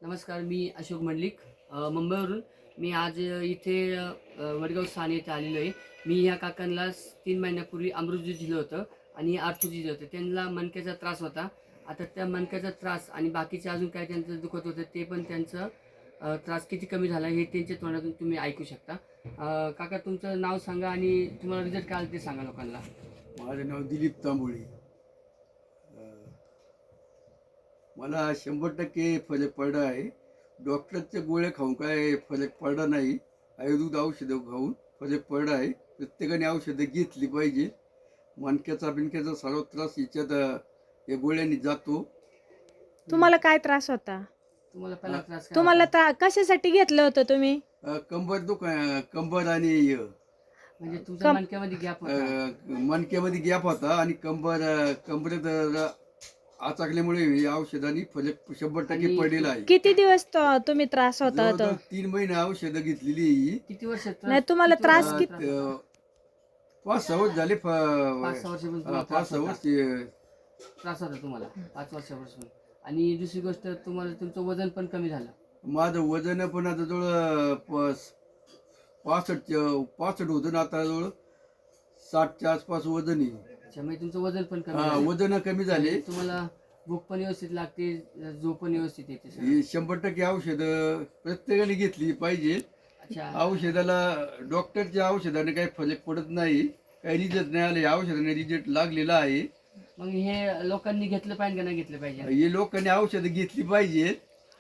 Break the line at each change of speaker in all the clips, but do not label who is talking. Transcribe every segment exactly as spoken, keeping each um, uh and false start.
नमस्कार, मी अशोक मंडलिक अ, मुंबईवरून. मी आज अ, इथे अ, वडगाव स्थान येथे आलेलो आहे. मी ह्या काकांना स- तीन महिन्यापूर्वी अमृत ज्यूस दिलं होतं आणि आर्थो दिलं होतं. त्यांना मणक्याचा त्रास होता. आता त्या मणक्याचा त्रास आणि बाकीचे अजून काय त्यांचं दुखत होतं ते पण त्यांचं अ, त्रास किती कमी झाला हे त्यांच्या तोंडातून तुम्ही ऐकू शकता. अ, काका, तुमचं नाव सांगा आणि तुम्हाला रिझल्ट काय आला ते सांगा लोकांना.
माझं नाव दिलीप तांबोळी. अं, मला शंभर टक्के फरक पडला आहे. डॉक्टरचे गोळ्या खाऊन काय फरक पडला नाही. आयुर्वेदिक औषधं खाऊन फरक पडला आहे. प्रत्येकाने औषधं घेतली पाहिजे. मणक्याचा बिणक्याचा सर्व त्रास याच्यात अं, या गोळ्यांनी जातो.
तुम्हाला काय त्रास होता?
तुम्हाला पहिला त्रास काय
तुम्हाला
होता?
ता कशासाठी घेतलं होतं तुम्ही?
अं, कंबर दुख अं, कंबर आणि अं,
म्हणजे तुमच्या
कम
मणक्यामध्ये गॅप होता.
अं, मणक्यामध्ये गॅप होता आणि कंबर अं, कंबरेत जरा आचाकल्यामुळे या औषधांनी फरक शंभर टक्के
आणि
पडलेला आहे.
किती दिवस तो- तुम्ही त्रास होता तो?
जवळजवळ तीन महिने औषधं घेतलेली आहे ही.
किती वर्ष त्रास-
नाही, तुम्हाला
किती
त्रास
वर्ष
अं,
कित-
त्रास होता?
त- पाच सहा वर्ष झाले. फ-
पाच सहा वर्षापासून
हा,
तुम्हाला
पाच
त्रास
सहा
होता.
वर्ष.
त्रास होता तुम्हाला पाच वर्षापासून. आणि दुसरी गोष्ट, तुम्हाला तुमचं वजन पण कमी झालं.
माझं वजन पण आता जवळ प- पासष्ट पासष्ट होतं ना, आता जवळ साठच्या आसपास वजन आहे.
अच्छा, म्हणजे तुमचं वजन पण कमी
हा,
झालं.
वजन कमी झाले.
आणि तुम्हाला भूक पण व्यवस्थित लागते, झोप पण व्यवस्थित येते सगळं.
ही शंभर टक्के औषधं प्रत्येकाने घेतली पाहिजे.
अच्छा,
औषधाला डॉक्टरच्या औषधाने काही फरक पडत नाही, काही रिझल्ट नाही आले. औषधाने रिझल्ट लागलेला आहे.
मग हे लोकांनी घेतलं पाहिजे का नाही घेतलं पाहिजे?
हे लोकांनी औषधं घेतली पाहिजे.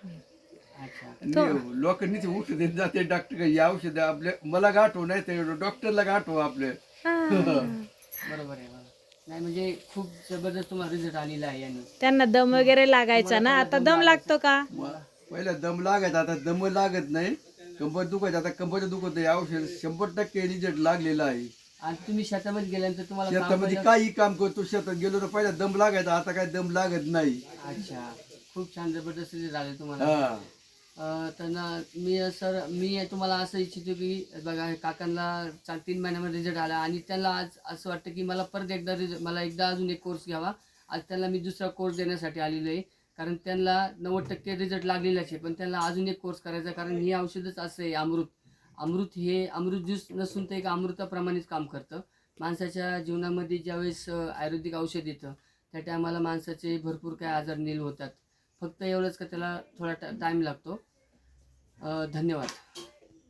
अच्छा,
आणि लोकांनीच औषध देत जाते डॉक्टर. ही औषधं आपल्या मला गाठव नाही तर डॉक्टरला गाठव आपल्या.
हा.
बरोबर आहे. बरोबर. नाही म्हणजे खूप जबरदस्त तुम्हाला रिझल्ट आलेला आहे. आणि
त्यांना दम वगैरे लागायचा ना, आता दम लागतो का?
म- पहिला दम लागत, आता दम लागत नाही. कंबर दुखत, आता कंबर दुखत नाही. औषध शंभर टक्के रिझल्ट लागलेला आहे.
आणि तुम्ही शेतामध्ये गेल्यानंतर तुम्हाला काम
शेतामध्ये
पहिलं-
काही काम करतो, शेतात गेलो तर पहिला दम लागायचा, आता काय दम लागत नाही.
अच्छा, खूप छान जबरदस्त रिझल्ट आले तुम्हाला.
हा.
अं, तर ना मी सर मी तुम्हाला असं इच्छितो की बघा, हे काकांना चार तीन महिन्यामध्ये रिझल्ट आला आणि त्यांना आज असं वाटतं की मला परत एकदा रिझल्ट मला एकदा अजून एक कोर्स घ्यावा. आज त्यांना मी दुसरा कोर्स देण्यासाठी आलेलो आहे. कारण त्यांना नव्वद टक्के रिझल्ट लागलेलाच आहे, पण त्यांना अजून एक कोर्स करायचा. कारण हे औषधच असं आहे, अमृत. अमृत हे अमृत ज्यूस नसून ते एक अमृताप्रमाणेच काम करतं. माणसाच्या जीवनामध्ये ज्यावेळेस अं, आयुर्वेदिक औषध येतं त्या टायमाला माणसाचे भरपूर काय आजार नील होतात. फक्त एवढंच का त्याला थोडा टाईम लागतो. अ, धन्यवाद.